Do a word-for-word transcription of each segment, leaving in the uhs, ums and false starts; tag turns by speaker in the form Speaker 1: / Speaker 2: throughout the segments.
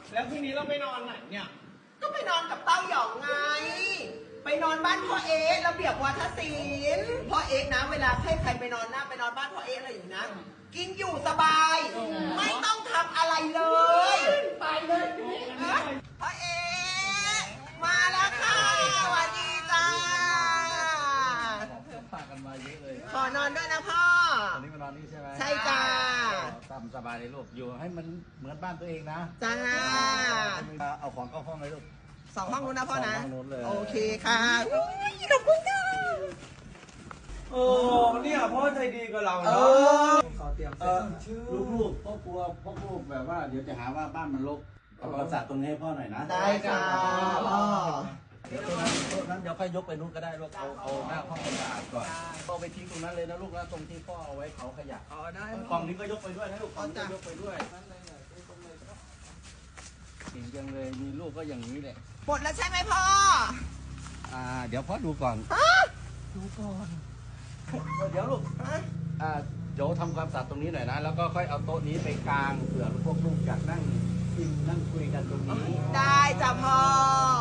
Speaker 1: แล้วคืนนี้เราไปนอนไหนเนี่ย
Speaker 2: ก็ไปนอนกับเต้าหยองไง ไปนอนบ้านพ่อเอ๊ะระเบียบวัฒศิลป์พ่อเอ๊ะนะเวลาให้ใครไปนอนหน้าไปนอนบ้านพ่อเอ๊ะอะไรอย่างนี้นะกินอยู่สบาย ไม่ต้องทำอะไรเลยไปเลยพ่อเอ๊ะมาแล้วค่ะสวัสดีจ้า
Speaker 3: ฝากกันมาเยอะเลย
Speaker 2: ขอนอนด้วยนะพ่อ
Speaker 3: วันนี้มานอนนี่ใช่ไหม
Speaker 2: ใช่จ้า
Speaker 3: ตามสบายเลยลูกอยู่ให้มันเหมือนบ้านตัวเองนะ
Speaker 2: จ้า
Speaker 3: เอาของเข้าห้องเลยลูก
Speaker 2: สองห้องนู้นนะพ่อนะ
Speaker 3: สองห้องนู้นเลย
Speaker 2: โอเคค่ะอุ๊ยขอบคุณค่ะ
Speaker 1: โอ้เนี่ยพ่อใจดีกับเรา
Speaker 2: เอ
Speaker 1: เนาะ
Speaker 2: อ
Speaker 1: ขอเตรียม
Speaker 3: เอ
Speaker 1: เสื้
Speaker 3: อ
Speaker 1: อชื่อ
Speaker 3: ลูกๆพ่อกลัวพ่อลูกแบบว่าเดี๋ยวจะหาว่าบ้านมันรกเอาประสาทตรงนี้ให้พ่อหน่อยนะ
Speaker 2: ได้ค่ะพ่อ
Speaker 3: เดี๋ยวตรงนั้นตรงนั้นเดี๋ยวค่อยยกไปนู้นก็ได้ลูกเอาเอาหน้าห้องให้สะอาดก่อนเอาไปทิ้งตรงนั้นเลยนะลูกนะตรงที่พ่อเอาไว้เผาขยะ
Speaker 1: อ๋อได้
Speaker 3: กล่องนี้ก็ยกไปด้วยนะลูกกล่องนี้ก็ยกไปด้วยเก่งจังเลยมีลูกก็อย่างนี้แหละ
Speaker 2: หมดแล้วใช่ไหมพ่อ
Speaker 3: อ่าเดี๋ยวพ่อดูก่อน
Speaker 2: ฮะ
Speaker 3: ดูก่อน เดี๋ยวลูก
Speaker 2: ฮะ
Speaker 3: อ่าเดี๋ยวทำความสะอาดตรงนี้หน่อยนะ แล้วก็ค่อยเอาโต๊ะนี้ไปกางเผื่อพวกลูกอยากนั่งกินนั่งคุยกันตรงนี้
Speaker 2: ได้จ้ะพ่อ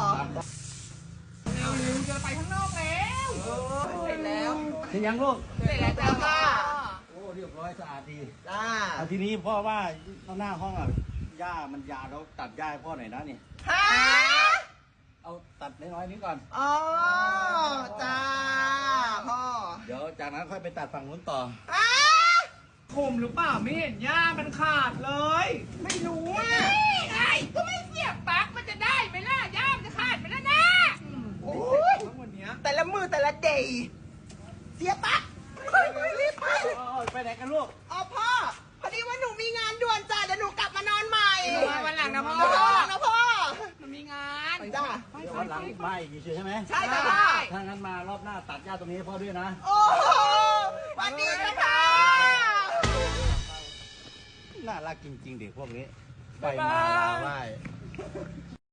Speaker 1: เอาเร็วจะไปข้างนอกแล้ว
Speaker 2: เสร็จแล้ว
Speaker 3: เสร็จยังลูก
Speaker 2: เสร็จแล้วจ้ะพ่อ
Speaker 3: โอ้เรียบร้อยสะอาดดี
Speaker 2: จ้า
Speaker 3: เอาทีนี้พ่อว่าหน้าห้องอ่ะหญ้ามันยาวแล้วตัดหญ้าให้พ่อหน่อยนะนี่
Speaker 2: ฮะ
Speaker 3: เอาตัดน้อยๆนี้ก่อน
Speaker 2: อ๋อจ้าพ่อ
Speaker 3: เดี๋ยวจากนั้นค่อยไปตัดฝั่งนู้นต่อ
Speaker 2: อ้า
Speaker 1: คมหรือเปล่าไม่เห็นหญ้ามันขาดเลย
Speaker 2: ไม่รู้อ่ะ
Speaker 4: นี่ไงก็ไม่เสียบปลั๊กมันจะได้ไหมล่ะย่ามจะขาดไหมล่ะนะ
Speaker 2: โอ้ย
Speaker 1: ทั้งวันเนี้ย
Speaker 2: แต่ละมือแต่ละเดย์เสียปะเฮ้ยไม่รีบไป
Speaker 3: โอ้ยไปไหนกันลูก
Speaker 2: อ๋อพ่อ พอดีว่าหนูมีงานด่วนจ้ะเดี๋ยวหนูกลับมานอนใหม่
Speaker 4: วันหลังนะพ่อ
Speaker 2: เดี๋ยววันหลังนะพ่อ
Speaker 4: มันมีงาน
Speaker 2: จ้า
Speaker 3: เดี๋ยววันหลังมาอีกทีใช่ไหม
Speaker 2: ใช่จ้ะพ่อ
Speaker 3: ถ้างั้นมารอบหน้าตัดหญ้าตรงนี้ให้พ่อด้วยนะ
Speaker 2: โอ้โหวันดีนะพ่อ
Speaker 3: น่ารักจริงๆเด็กพวกนี้ ไปมาลาไหว้